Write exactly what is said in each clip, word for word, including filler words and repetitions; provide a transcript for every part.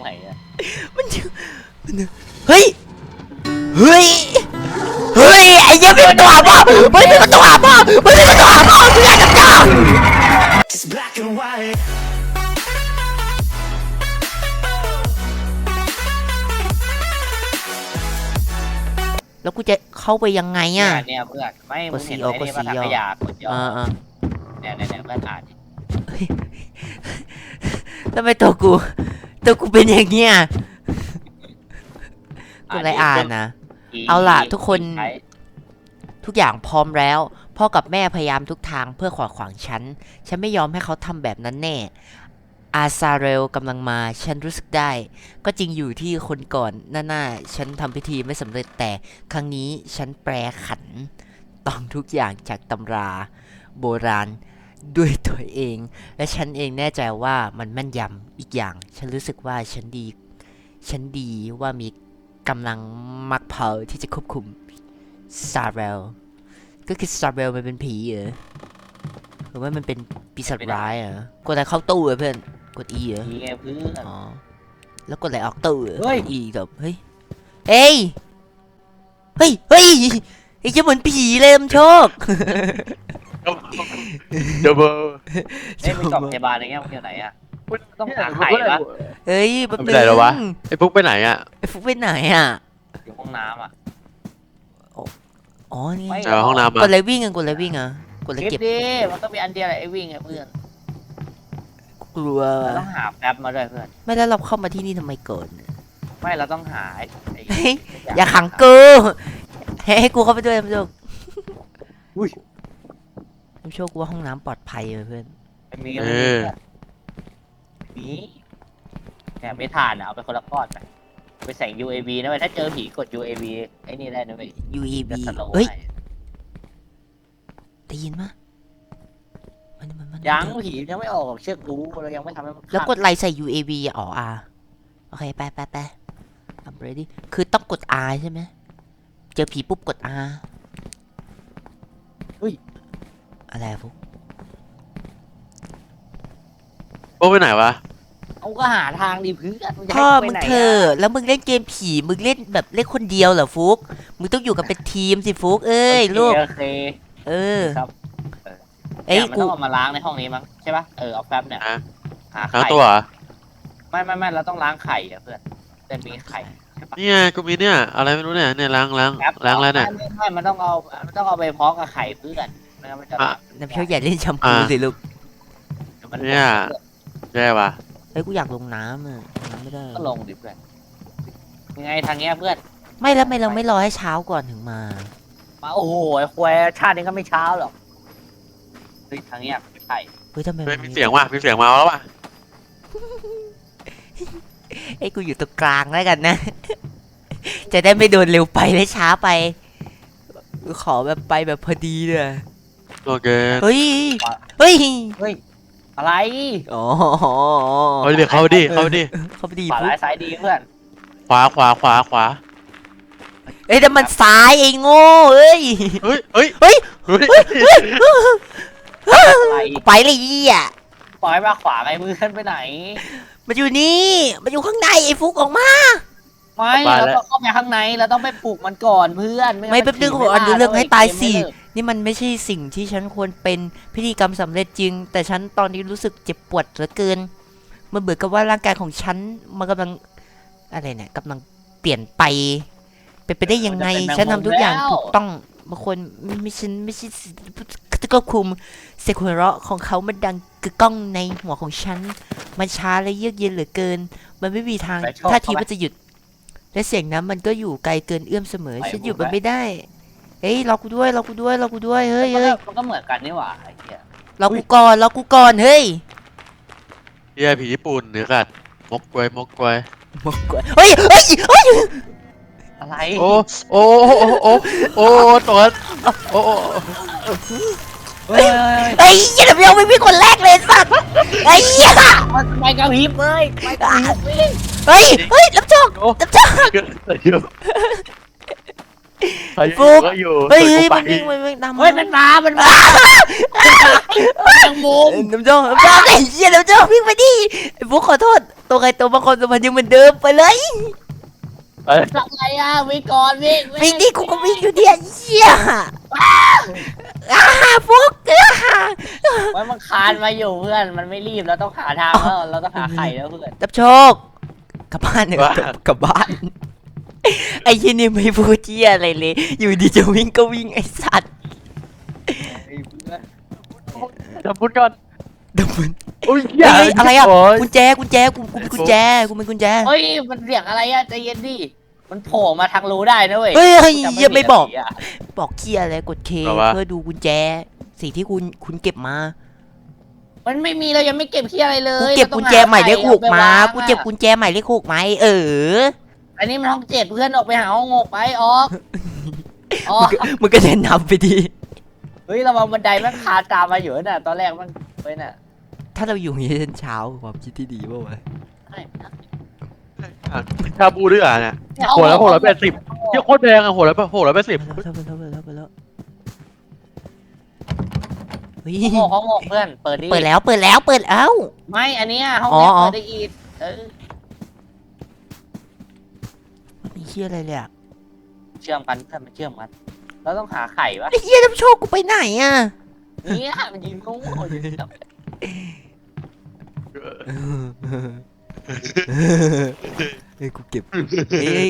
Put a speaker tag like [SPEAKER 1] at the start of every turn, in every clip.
[SPEAKER 1] ไหนอะ
[SPEAKER 2] มันมันเฮ้ยเฮ้ยเฮ้ยไอ้เหี้ยมีประตูหาพ่อมันมีประตูหาพ่อมันมีประตูหาพ่อกูอยากจะจ้าแล้วกูจะเข้าไปยังไงอ่ะ
[SPEAKER 1] เนี่ยเพื่อนไม่มึงเห็นไอ้นี่มาถังขยะกดย่อเนี่ยเนี่ยเพื่อนอ่าน
[SPEAKER 2] ทำไมตัวกูตัวกูเป็นอย่างเงี้ยกูอะไรอ่านนะเอาล่ะทุกคนทุกอย่างพร้อมแล้วพ่อกับแม่พยายามทุกทางเพื่อขวางขวางฉันฉันไม่ยอมให้เขาทำแบบนั้นแน่อาซาเรลกำลังมาฉันรู้สึกได้ก็จริงอยู่ที่คนก่อนหน้าๆฉันทำพิธีไม่สำเร็จแต่ครั้งนี้ฉันแปลขันต้องทุกอย่างจากตำราโบราณด้วยตัวเองและฉันเองแน่ใจว่ามันแม่นยำอีกอย่างฉันรู้สึกว่าฉันดีฉันดีว่ามีกำลังมักเผาที่จะควบคุมซาเรลก็คือซาเรลมันเป็นผีเหรอหรือว่ามันเป็นปีศาจร้ายเหรอกดอะไรเข้าตู้เหรอเพื่อนกด E เหรอ
[SPEAKER 1] E ไงเพื่อน
[SPEAKER 2] อ๋อแล้วกดอะไรออกตู้เหรอ E แบบเฮ้ยเอ้ยเฮ้ยเฮ้ยไอ้เจ้าเหมือนผีเลยมันโชค
[SPEAKER 3] เดบเบิล
[SPEAKER 1] เอ้ยไปกล่องพยาบาลอะไรเงี้ยมันอยู่ไหนอะต้องหาไข่ปะ
[SPEAKER 2] เฮ้ยแป๊บนึง
[SPEAKER 3] ไอ้ฟุกไปไหนอ่ะ
[SPEAKER 2] ไอ้ฟุกไปไหนอ่ะ
[SPEAKER 1] อยู่ห้องน้ำอ่ะ
[SPEAKER 2] อ๋อนี่
[SPEAKER 3] เจอห้องน้ำ
[SPEAKER 2] กดอะไรวิ่งกันกดอะไรวิ่งอ่ะกดอะไรเก็บ
[SPEAKER 1] ดิมันต้องมีอันเดียวแหละไอ้วิ่งไงเพื่อน
[SPEAKER 2] กลัว
[SPEAKER 1] ต้องหาแป๊บมาด้วยเพื่อน
[SPEAKER 2] ไม่แล้วเราเข้ามาที่นี่ทำไมเกิด
[SPEAKER 1] ไม่เราต้องหา
[SPEAKER 2] อย่าขังกูให้กูเข้าไปด้วยพี่โชค
[SPEAKER 1] อุ้ย
[SPEAKER 2] พี่โชคกูว่าห้องน้ำปลอดภัยเลยเพื่อน
[SPEAKER 1] มีมีเนี่ยไม่ทานอ่ะเอาไปคนละก้อนไปไปใส่ ยู เอ วี นะเว้ยถ้าเจอผีกด ยู เอ วี ไอ้นี่ได้นะเว้ย
[SPEAKER 2] ยู เอ วี เฮ้ยได้ยินมั้ย
[SPEAKER 1] ยังผียังไม่ออกเชือกรู้เรายังไม่ทำให้มัน
[SPEAKER 2] แล้วกดไลค์ใส่ ยู เอ วี อ๋อ R โอเคไปไปไป I'm ready คือต้องกด R ใช่ไหมเจอผีปุ๊บกด R
[SPEAKER 1] อุ้ย
[SPEAKER 2] อะไรฟุก
[SPEAKER 3] โอ้ไปไหนวะ
[SPEAKER 1] เอาก็หาทางดิเพื่อน
[SPEAKER 2] พ่อมึงเธอแล้วมึงเล่นเกมผีมึงเล่นแบบเล่นคนเดียวเหรอฟุกมึงต้องอยู่กันเป็นทีมสิฟุกเอ้ยลูกเออ
[SPEAKER 1] ครับเอ้ยกูต้องเอามาล้างในห้องนี้มั้งใช่ป่ะเออเอาแป๊บเนี่ย
[SPEAKER 3] หาไข่ตัว
[SPEAKER 1] ไม่ไม่ไม่เราต้องล้างไข่อะเพื่อนแต่มีไข่
[SPEAKER 3] นี่ไงกูมีเนี่ยอะไรไม่รู้เนี่ยเนี่ยล้างล้างล้างแล้วเนี่ย
[SPEAKER 1] ไม่ไม่มันต้องเอามันต้องเอาไปเพาะกับไข่เพื่อนไม่งั้นมันจะ
[SPEAKER 2] น้ำเชื่ออย่าเล่นแชมพูสิลูก
[SPEAKER 3] เนี่ยแย่ว่ะ
[SPEAKER 2] เฮ้ยกูอยากลงน้ำอ่ะไม่ได้
[SPEAKER 1] ก็ลงดิเพื่อนยังไงทางเงี้ยเพื่อน
[SPEAKER 2] ไม่แล้วไม่เราไม่รอให้เช้าก่อนถึงมา
[SPEAKER 1] มาโอ้โหควายชาตินี้ก็ไม่เช้าหรอกเฮ้ยทางเงี้ยไม่ใช่
[SPEAKER 2] เฮ้ยทำไม
[SPEAKER 3] มีเสียงว่ะมีเสียงมาแล้วว่ะ
[SPEAKER 2] ไอ้กูอยู่ตรงกลางแล้วกันนะจะได้ไม่โดนเร็วไปและช้าไปขอแบบไปแบบพอดีเลย
[SPEAKER 3] โอเค
[SPEAKER 2] เฮ้ยเฮ้ย
[SPEAKER 1] เฮ้ยอะไร
[SPEAKER 2] อ๋อ
[SPEAKER 3] เอาดิเข้าดิเข้าดิ
[SPEAKER 2] เข้าไปดี
[SPEAKER 1] ขวาซ้ายดีเพื่อน
[SPEAKER 3] ขวาขวาขวาขวา
[SPEAKER 2] เอ้ยแต่มันซ้ายไอ้โง่เอ้ย
[SPEAKER 3] เฮ้ยเฮ้ย
[SPEAKER 2] เฮ้ย
[SPEAKER 1] อะไร
[SPEAKER 2] ไปเลยยี่อ่ะ
[SPEAKER 1] ปล่อยมาขวาไงมือขึ้นไปไหน
[SPEAKER 2] มันอยู่นี่มันอยู่ข้างในไอ้ฟุกออกมา
[SPEAKER 1] ไม่เราต้องเข้าไปข้างในเราต้องไปปลุกมันก่อนเพื่อน
[SPEAKER 2] ไม่แป๊บนึงผมอ่านเรื่องให้ตายสินี่มันไม่ใช่สิ่งที่ฉันควรเป็นพิธีกรรมสำเร็จจริงแต่ฉันตอนนี้รู้สึกเจ็บปวดเหลือเกินมันเหมือนกับว่าร่างกายของฉันมันกำลังอะไรเนี่ยกำลังเปลี่ยนไปเป็นไปได้ยังไงฉันทำทุกอย่างถูกต้องบางคนไม่ฉันไม่ใช่ก็คุมเสียงหัวเราะของเขามันดังกึกก้องในหัวของฉันมันช้าและเยือกเย็นเหลือเกินมันไม่มีทางท่าทีว่าจะหยุดและเสียงนั้นมันก็อยู่ไกลเกินเอื้อมเสมอฉันหยุดมันไม่ได้เฮ้ยรอกูด้วยรอกูด้วยรอกูด้วยเฮ้ยเฮ้ย
[SPEAKER 1] มันก็เหมือนกันนี่หว่าไอ้เหี้ย
[SPEAKER 2] รอกูก่อนรอกูก่อนเฮ้ย
[SPEAKER 3] เฮียผีญี่ปุ่นหรือกัดมกกวยมกกวย
[SPEAKER 2] มกกวยเฮ้ยเฮ้ยเฮ้ย
[SPEAKER 1] อะไร
[SPEAKER 3] โอ้โอ้โอ้โอ้ตัวโอ้
[SPEAKER 2] เฮ้ยเฮ้ยยังไม่ยังไม่มีคนแรกเลยสัตว์ไอ้เหี้ย
[SPEAKER 1] มันไปกระพริบเลยไปกระพริบ
[SPEAKER 2] เฮ้ยเฮ้ยรับจอกรับจอก
[SPEAKER 3] ฟุก
[SPEAKER 2] เฮ้ยมันวิ่งมันวิ่งตาม
[SPEAKER 1] เฮ้ยมันมามันมายังมุม
[SPEAKER 2] น้ำจอกน้ำจอกไอ้เหี้ยน้ำจอกวิ่งไปดิไอ้ฟุกขอโทษตัวใครตัวบางคนตัวมันยังเหมือนเดิมไปเลย
[SPEAKER 3] เอ้ย
[SPEAKER 1] ทำไงอ่ะวิ่งก่อนวิ่ง
[SPEAKER 2] วิ่งดิกูก็วิ่งอยู่เนี่ยเหี้ยอ่าฟุกอ่า
[SPEAKER 1] ไว้มันคานมาอยู่เพื่อนมันไม่รีบเราต้องหาทางแล้วเราต้องหาไข่แล้วเพื่อน
[SPEAKER 2] จับโชคกลับบ้านเนี่ยกลับบ้านไอ้ยี่นี่ไม่พูดเจี๊ยอะไรเลย อยู่ดีจะวิ่งก็วิ่งไอ้สัตว์
[SPEAKER 3] ทำพูดก่อน
[SPEAKER 2] เดี๋ยวมัน
[SPEAKER 3] อุ้ย
[SPEAKER 2] เฮ้ยเฮ้ยอะไรอ่ะ
[SPEAKER 3] โย
[SPEAKER 2] กุญแจกุญแจกูกูเป็นกุญแจกูเป็นกุญแจ
[SPEAKER 1] เฮ้ยมันเสียงอะไรอ่ะใจเย็นดิมันโผล่มาทางรูได้นะเว้ย
[SPEAKER 2] เฮ้ยเฮ้ย
[SPEAKER 1] จำ
[SPEAKER 2] เหี้ยังไม่บอก
[SPEAKER 1] ผิดะ
[SPEAKER 2] บอกเคียอะไรกดเค
[SPEAKER 3] บอกว่า
[SPEAKER 2] เพื่อดูกุญแจสิ่งที่คุณคุณเก็บมา
[SPEAKER 1] มันไม่มีเรายังไม่เก็บขี้อะไรเล
[SPEAKER 2] กู
[SPEAKER 1] ย
[SPEAKER 2] เก็บกุญแจหมายเลขหกมา
[SPEAKER 1] เร
[SPEAKER 2] กู
[SPEAKER 1] ต้องห
[SPEAKER 2] เก็บกุญแจหมายเลขหกไหมเออ
[SPEAKER 1] อันนี้มันห้องเจ็ดเพื่อนออกไปหาห้องหกไปออกออ
[SPEAKER 2] มึ
[SPEAKER 1] ก
[SPEAKER 2] งก็มึงก็แนะนำไปดี
[SPEAKER 1] เฮ้ยระวังบันไดมันคานตามมาอยู่น่ะตอนแรกมันไปน่ะ
[SPEAKER 2] ถ้าเราอยู่อย่างนี้จนเช้าความคิดที่ดีป่าวะ
[SPEAKER 3] ชาบูด้วยอ่ะเนี่ย
[SPEAKER 1] เนี่ย
[SPEAKER 3] หัวละหัวละแปดสิบเที่ยโคตรแพงอ่ะหัวละหัวละแปดสิบ
[SPEAKER 2] ไปแล้วไปแล้วไปแล้วไปแล้วเฮ้ย
[SPEAKER 1] ห้องหกห้องหกเพื่อนเปิดดิ
[SPEAKER 2] เปิดแล้วเปิดแล้วเปิดแล้ว
[SPEAKER 1] ไม่อันเนี้ยห้อง
[SPEAKER 2] อ๋อ
[SPEAKER 1] เนี้ย
[SPEAKER 2] อ๋อ
[SPEAKER 1] เปิดได้อีกเออ
[SPEAKER 2] มีเชี่ยอะไรเลยอะ
[SPEAKER 1] เชื่อมกันเพื่อนมันเชื่อมกันเราต้องหาไข่วะ
[SPEAKER 2] ไอ้เหี้ยน้ำโชคกูไปไหนอะ
[SPEAKER 1] เนี่ยมันยิงโง่อยู่กับ
[SPEAKER 2] เฮ้ยกูเก็บเฮ้ย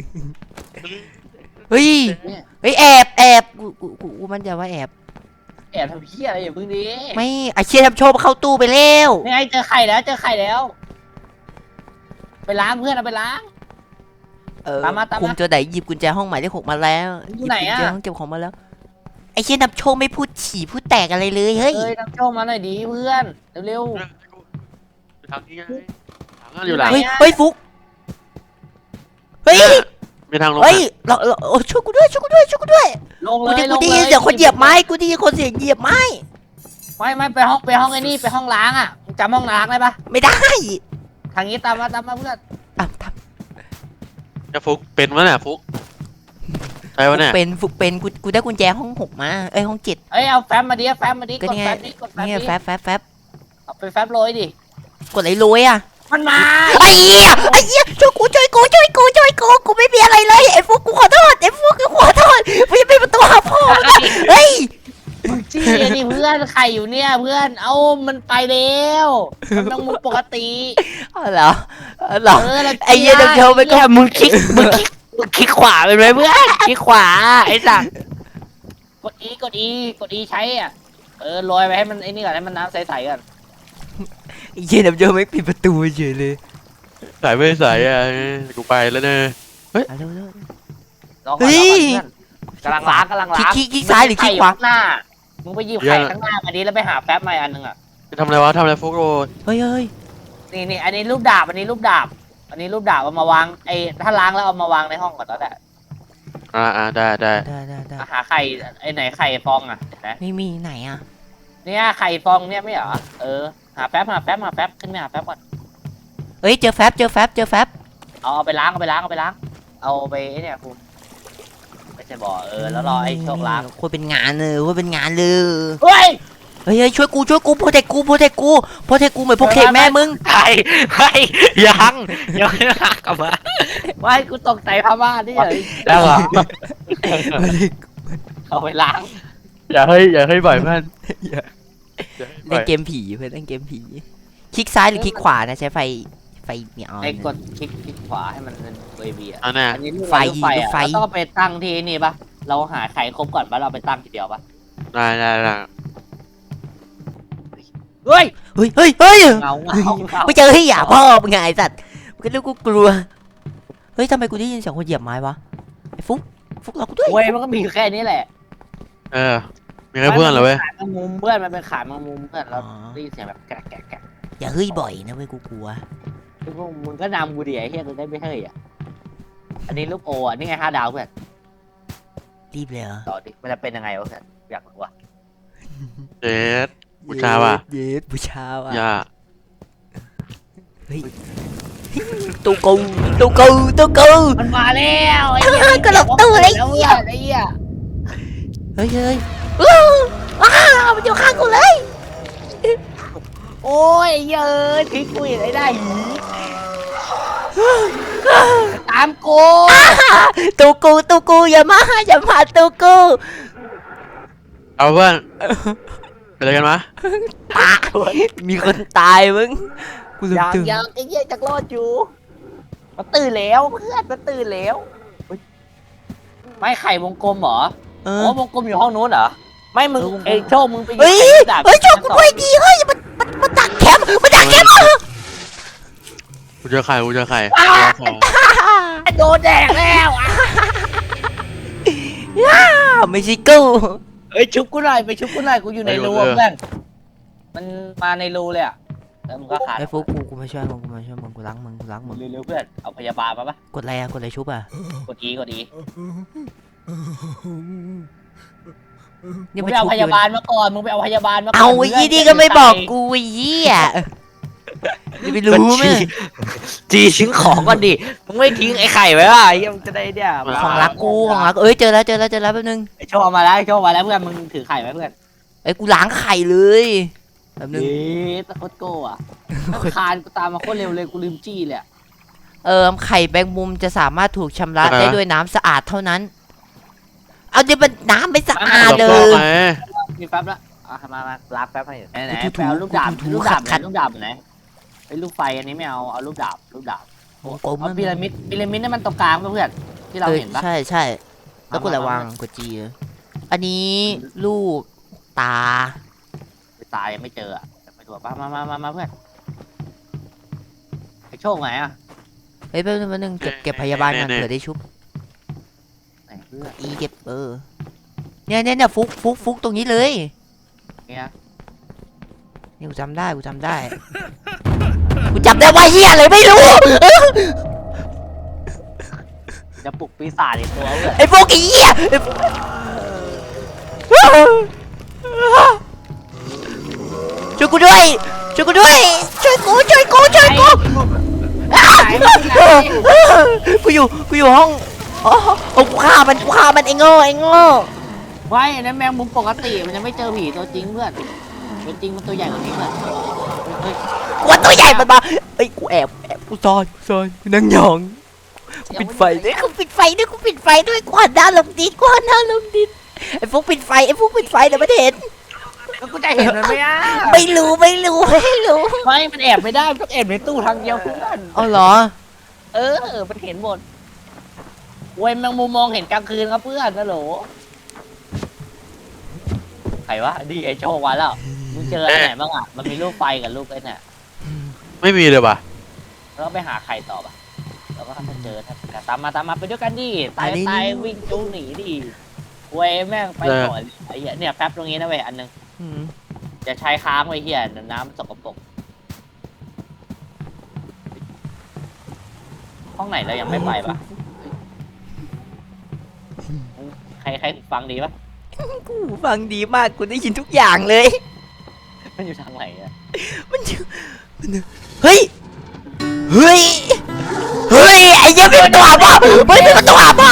[SPEAKER 2] เฮ้ย
[SPEAKER 1] เนี่ย
[SPEAKER 2] เฮ้ยแอบแอบกูกูกูกูมันจะว่าแอบ
[SPEAKER 1] แอบทำเพี้ยอะไรอย่าเพิ่งดิ
[SPEAKER 2] ไม่ไอเชี่ยน้ำโชคมาเข้าตู้ไปแล้ว
[SPEAKER 1] นี่ไงเจอไข่แล้วเจอไข่แล้ว ไปล้างเพื่อนเอาไปล้าง
[SPEAKER 2] เออ
[SPEAKER 1] ตามมาตามมา
[SPEAKER 2] คุมตัวไหนหยิบกุญแจห้องหมายเลขหกมาแล้ว
[SPEAKER 1] อยู่ไหนอะ
[SPEAKER 2] ยิบกุญแจห้องเก็บของมาแล้วไอเชี่ยน้ำโชคไม่พูดฉี่พูดแตกอะไรเลยเฮ้ย
[SPEAKER 1] เอ้ยน้ำโชคมาหน่อยดีเพื่อนเร็ว
[SPEAKER 3] ทางนี้ไงทางนั้นอยู่หลัง
[SPEAKER 2] เฮ้ยเฮ้ยฟุกเฮ้ย
[SPEAKER 3] มีทางลง
[SPEAKER 2] เฮ้ยเราเราโอ้ช่วยกูด้วยช่วยกูด้วยช่วยกูด้วย
[SPEAKER 1] ๆลง
[SPEAKER 2] กู
[SPEAKER 1] เลย
[SPEAKER 2] ได้
[SPEAKER 1] ล
[SPEAKER 2] กู
[SPEAKER 1] ง
[SPEAKER 2] ได้
[SPEAKER 1] เล
[SPEAKER 2] ยินเสียงคนเหยียบไม้กูได้ยินคนเสียงเหยียบไม้
[SPEAKER 1] ไม่ไม่ไปห้องไปห้องไอ้นี่ไปห้องล้างอ่ะมึงจำห้องล้างได้ปะ
[SPEAKER 2] ไม่ได้
[SPEAKER 1] ทางนี้ตามมาตามมาเพื่อน
[SPEAKER 2] อ่ะท
[SPEAKER 3] จะฟุกเป็นวะเนี่ยฟุกใช่
[SPEAKER 2] ำ
[SPEAKER 3] วะเนี่ย
[SPEAKER 2] เป็นฟุกเป็นกูกูได้กุญแจห้องหกมาเอ้ยห้องเจ็ด
[SPEAKER 1] เอ้ยเอาแฟ้มมาดิเอาแฟ้มมาดิ
[SPEAKER 2] ก็
[SPEAKER 1] กด
[SPEAKER 2] นี่ไง
[SPEAKER 1] แฟ้มดิกดแฟ้ม
[SPEAKER 2] นี่
[SPEAKER 1] ดิ
[SPEAKER 2] แฟบแฟบแฟบ
[SPEAKER 1] เอาไปแฟ้มโรยดิ
[SPEAKER 2] กดอะไรรวยอ่ะ
[SPEAKER 1] มันมา
[SPEAKER 2] ไอ้เหี้ยไอ้เหี้ยช่วยกูช่วยกูช่วยกูช่วยกูกูไม่มีอะไรเลยไอ้ฟุกกูขอโทษไอ้ฟุกกูขอโทษไม่เป็นประตูหาพ่อมึงอะเฮ้ย
[SPEAKER 1] มึงจี้นี่เพื่อนไข่อยู่เนี่ยเพื่อนเอามันไปแล้วมันต้องมุกปกติ
[SPEAKER 2] อ๋อเหรออ๋อเหรอ
[SPEAKER 1] เออเรา
[SPEAKER 2] ไอ้เหี้ยเดี๋ยวเดี๋ยวไปก่อน
[SPEAKER 1] มึงคลิกมึงคลิกมึงคลิกขวาเป็นไหมเพื่อนคลิกขวาไอ้สัสกดอีกดอีกดอีใช้อ่ะเออโรยไปให้มันไอ้นี่ก่อนให้มันน้ำใสๆก่อน
[SPEAKER 2] ไอ้เหี้ยเดี๋ยวเดี๋ยวไม่ปิดประตูเฉยเลย
[SPEAKER 3] สายไม่สายอ่ะกูไปแล้วเนอะ
[SPEAKER 2] อ่ะเร็วเร็ว
[SPEAKER 1] รอก่อน
[SPEAKER 2] เฮ้
[SPEAKER 1] รอย ก่อนเพื่อนกำลังล้างกำลังล้าง
[SPEAKER 2] คลิกคลิกซ้ายหรือคลิกขวา
[SPEAKER 1] ไข่อยู่ข้งหน้ามึงไปหยิบไข่ข้างหน้ามาดิแล้วไปหาแป๊บมาอีกอันหนึงอ่ะ
[SPEAKER 3] จะทำอะไรวะทำอะไรฟุกโร
[SPEAKER 2] เฮ้ยเฮ้ย
[SPEAKER 1] นี่นี่อันนี้รูปดาบอันนี้รูปดาบ อันนี้รูปดาบเอามาวางไอ้ถ้าล้างแล้วเอามาวางในห้องก่อนตอนแรก
[SPEAKER 3] อ่าอ่าได้ได้
[SPEAKER 2] ได้ได้ได้
[SPEAKER 1] หาไข่ไอ้ไหนไข่ฟองอ่ะเห็นไหม
[SPEAKER 2] ไม่มีไหนอ่ะ
[SPEAKER 1] เนี่ยไข่ฟองเนี่ยไม่เหรอเออหาแป๊บหาแป๊บหาแป๊บขึ้นไปหาแป๊บก่อน
[SPEAKER 2] เฮ้ยเจอแฟบเจอแฟบเจอแฟบ
[SPEAKER 1] เอาเอาไปล้างเอาไปล้างเอาไปล้างเอาไปไอ้เนี่ยคุณไม่ใช่บ่อเออแล้วรอไอ้โชคล้าง
[SPEAKER 2] โคตรเป็นงานเลยโคตรเป็นงานเลย
[SPEAKER 1] เฮ้ย
[SPEAKER 2] เฮ้ยเฮ้ยช่วยกูช่วยกูโปรเทคกูโปรเทคกูโปรเทคกูเหมือนโปรเทคแม่มึง
[SPEAKER 1] ไข่ไข่ยังยังไม่หักกลับมาไม่กูตกใจพม่านี่เลย
[SPEAKER 3] แล้วเหรอ
[SPEAKER 1] เอาไปล้าง
[SPEAKER 3] อย่าให้อย่าให้บ่อยเพื่อนอย่าให้บ่
[SPEAKER 2] เล่
[SPEAKER 3] อน ย
[SPEAKER 2] เกมผีเพื่อนเล่นเกมผีคลิกซ้ายหรือคลิกขวานะใช้ไฟไฟมีออน
[SPEAKER 1] ไอ้กดคลิกคลิกขวาให้มันเป็นเวบีอ่ะ
[SPEAKER 3] อันน่ะ
[SPEAKER 1] อันนี้ลูก
[SPEAKER 2] ไฟ
[SPEAKER 1] ลูกไฟอ่ะ
[SPEAKER 2] ไฟ
[SPEAKER 1] เราต้องไปตั้งที่นี่ปะเราหาไข่ครบก่อนปะเราไปตั้งทีเดียวปะ
[SPEAKER 3] ได้ได้ได้
[SPEAKER 1] เฮ้ย
[SPEAKER 2] เฮ้ยเฮ้ยเฮ้ย
[SPEAKER 1] เงาเงาเงา
[SPEAKER 2] ไม่เจอให้หยาพ่อมึงไงไอ้สัตว์มึงก็เรียกกูกลัวเฮ้ยทำไมกูได้ยินเสียงคนเหยียบไม้วะไอ้ฟุกฟุกเรากูด้วย
[SPEAKER 1] เว้ยมันก็มีอยู่แค่นี้แหละ
[SPEAKER 3] เออมีแค่เพื่อนเหรอเว้ย
[SPEAKER 1] ขาแมงมุมเพื่อนมันเป็นขาแมงมุมเพื่อนเรา
[SPEAKER 2] อ๋อ
[SPEAKER 1] ได้ยินเสียงแบบแกะแกะแกะ
[SPEAKER 2] อย่าเฮ้ยบ่อยนะเว้ยกูกลัว
[SPEAKER 1] คือพวกมึงก็นำกูดิไอ้เฮียกูได้ไม่เฮ้ยอ่ะอันนี้ลูกโออ่ะนี่ไงห้าดาวเพื่อน
[SPEAKER 2] รีบเลยเหรอ
[SPEAKER 1] ต่อดิมันจะเป็นยังไงวะเพื่อนอยากรู้ว่ะ
[SPEAKER 3] เจ็ด บูชาว่ะ
[SPEAKER 2] เย็ดบูชาว่ะ
[SPEAKER 3] อย่า
[SPEAKER 2] ตูกูตูกูตูกู
[SPEAKER 1] มันมาแล้วไอ้เหี้ย
[SPEAKER 2] ก็หลบตู้เลย
[SPEAKER 1] แล้ว
[SPEAKER 2] เหี้
[SPEAKER 1] เพื่
[SPEAKER 2] ย
[SPEAKER 1] อนไอ้เหี้ย
[SPEAKER 2] เฮ้ยเฮ้ยอ้าวอ้าวมันอยู่ข้างกูเลย
[SPEAKER 1] โอ้ยเยอะทิ้งกูอีกไอ้ได้หีตามกู
[SPEAKER 2] ตูกูตูกูอย่ามาอย่ามาตูกู
[SPEAKER 3] เอาเพื่อนเป็นอะไรกันมะ
[SPEAKER 2] ตายมีคนตายมึงกูลืม
[SPEAKER 1] ยัง
[SPEAKER 2] ตื่น
[SPEAKER 1] ยังไอ้เหี้ยจักรอดอยู่มันตื่นแล้วเพื่อนมันตื่นแล้วเฮ้ยไม่ไข่วงกลมเหรอ
[SPEAKER 2] เอ
[SPEAKER 1] อ๋
[SPEAKER 2] อ
[SPEAKER 1] อวงกลมอยู่ห้องนู้นเหรอไม่มึง
[SPEAKER 2] เออวงกลม
[SPEAKER 1] ไอ้โชคมึงไป
[SPEAKER 2] เฮ้ย
[SPEAKER 1] ไข่ดาบ
[SPEAKER 2] เฮ้ยโชคกูด้วยดีเฮ้ยมันมันมันดักแคมป์มันดักแคมป์อ่ะ
[SPEAKER 3] กูเจอไข่กูเจอไข่
[SPEAKER 1] โดนแดกแล้วอ่ะ
[SPEAKER 2] อ้าวไม่ใช่กู
[SPEAKER 1] เฮ้ยชุบกูหน่อยไปชุบกูหน่อยกูอยู่ในรูอะเพื่อนมันมาในรูเลยอ่ะแล้วมึงก็ขาด
[SPEAKER 2] ไอ้ฟุกกูกูมาช่วยมึงกูมาช่วยมึงกูล้างมึงกูล้างมึง
[SPEAKER 1] เร็วๆเพื่อนเอาพยาบาลมาปะ
[SPEAKER 2] กดอะไรอะกดอะไรชุบอะ
[SPEAKER 1] กดอีกดอี
[SPEAKER 2] เนี่
[SPEAKER 1] มึ
[SPEAKER 2] ย
[SPEAKER 1] ง
[SPEAKER 2] มัน
[SPEAKER 1] ไปเอา
[SPEAKER 2] ชุบ
[SPEAKER 1] พยาบาลมาก่อนมึงไปเอาพยาบาลมาก่อน
[SPEAKER 2] เอาไอ้ยี่นี่ก็ไม่บอกกูไอ้ยี่อ่ะจะไปรู้ไหม
[SPEAKER 1] จีทิ้งของก่อนดิมึงไม่ทิ้งไอ้ไข่ไว้ว่ะไอ้เหี้ยมึงจะได้เนี่ย
[SPEAKER 2] ของรักกูของรักเอ้ยเจอแล้วเจอแล้วเจอแล้วแป๊บนึง
[SPEAKER 1] ไอ้โชว์เอามาแล้วไอ้โชว์เอามาแล้วเพื่อนมึงถือไข่ไว้เพื่อน
[SPEAKER 2] ไอ้ยกูล้างไข่เลยแป๊บนึง
[SPEAKER 1] เอ๊ะตะโคตรโก้อะคานกูตามมาโคตรเร็วเลยกูลืมจี้เลยอะ
[SPEAKER 2] เออไข่แบงมุมจะสามารถถูกชำระได้ด้วยน้ำสะอาดเท่านั้น เอาเดี๋ยวมันน้ำไม่สะอาดเลย
[SPEAKER 3] ไง
[SPEAKER 1] มีแป๊บละอ่ะมามาล้างแป๊บให้ไหนไหน
[SPEAKER 2] ถู
[SPEAKER 1] ไปเอาลูกดาบ
[SPEAKER 2] ถู
[SPEAKER 1] ลูกดาบไหน
[SPEAKER 2] ขัด
[SPEAKER 1] ลูกดาบไหนไอ้ลูกไฟอันนี้ไม่เอาเอาลูกดาบลูกดาบ
[SPEAKER 2] วงกลม
[SPEAKER 1] เอาพีระมิดพีระมิดนี่มันตรงกลางป่ะเพื่อนที่เรา
[SPEAKER 2] ออ
[SPEAKER 1] เห็นปะ
[SPEAKER 2] ใช่ใช่แล้วกู
[SPEAKER 1] มามา
[SPEAKER 2] ระวังกดจีอันนี้ลูกตา
[SPEAKER 1] ไปตายยังไม่เจออะไปดูป่ะมามามามาเพื่อนไอ้โชคไหนอะ
[SPEAKER 2] เฮ้ยแป๊บนึงแป๊บนึงเก็บเก็บพยาบาลก่อนเผื่อได้ชุบ
[SPEAKER 1] ไหนเพื่อน
[SPEAKER 2] อีเก็บเออเนี่ยเนี่ยเนี่ยฟุกฟุกฟุกตรงนี้เลย
[SPEAKER 1] เนี่ย
[SPEAKER 2] นี่กูจำได้กูจำได้กูจำได้ว่าเฮียอะไรไม่รู้
[SPEAKER 1] จะปลุกปีศาจอีกตัวเพื่อน
[SPEAKER 2] ไอ้ฟุกไอ้เหี้ยไอ้ฟุกช่วยกูด้วยช่วยกูด้วยช่วยกูช่วยกูช่วยกู
[SPEAKER 1] ไหนไหน
[SPEAKER 2] กูอยู่กูอยู่ห้องอ๋อโอ้กูฆ่ามันกูฆ่ามันไอ้โง่ไอ้โง่
[SPEAKER 1] ไว้อันนั้นแมงมุมปกติมันยังไม่เจอผีตัวจริงเพื่อนตัวจริงมันตัวใหญ่กว่านี้เพื่อนเฮ้ย
[SPEAKER 2] กูว่าตัวใหญ่มันมาเอ้ยกูแอบแอบกูซ่อนกูซ่อนกูนั่งยองกูปิดไฟด้วยกูปิดไฟด้วยกูปิดไฟด้วยกูหันหน้าลงดินกูหันหน้าลงดินไอ้ฟุกปิดไฟไอ้ฟุกปิดไฟเดี๋ยวมันเห็น
[SPEAKER 1] แล้วกูจะเห็นมันไหมอ่ะ
[SPEAKER 2] ไม่รู้ไม่รู้ไม่รู้
[SPEAKER 1] ไม่มันแอบไม่ได้มันต้องแอบในตู้ทางเดียวเพื่อน
[SPEAKER 2] เอาเหรอ
[SPEAKER 1] เออมันเห็นหมดเว้ยแมงมุมมองเห็นกลางคืนครับเพื่อนนะโหลใครวะดีไอโชควันแล้วมึงเจออันไหนบ้างอ่ะมันมีลูกไฟกับลูกไอ้เนี่ย
[SPEAKER 3] ไม่มีเลยป่ะ
[SPEAKER 1] แล้วไปหาใครต่อปะแล้วก็ถ้าเจอถ้าตามมาตามมาไปด้วยกันดิตายตายวิ่งจูหนีดิเว้ยแม่งไปก่อนไอ้เหี้ยเนี่ยแป๊บตรงนี้นะเว้ยอันนึง
[SPEAKER 2] อืม
[SPEAKER 1] จะใช้ค้างไว้เหี้ยน้ำสกปรกห้องไหนเรายังไม่ไปปะใครใครฟังดีปะ
[SPEAKER 2] กูฟังดีมากกูได้ยินทุกอย่างเลย
[SPEAKER 1] มันอยู่ทางไหนอะ
[SPEAKER 2] มันอยู่มันอยู่เฮ้ยเฮ้ยเฮ้ยไอ้เหี้ยมีประตูหาพ่อเฮ้ยมีประตูหาพ่อ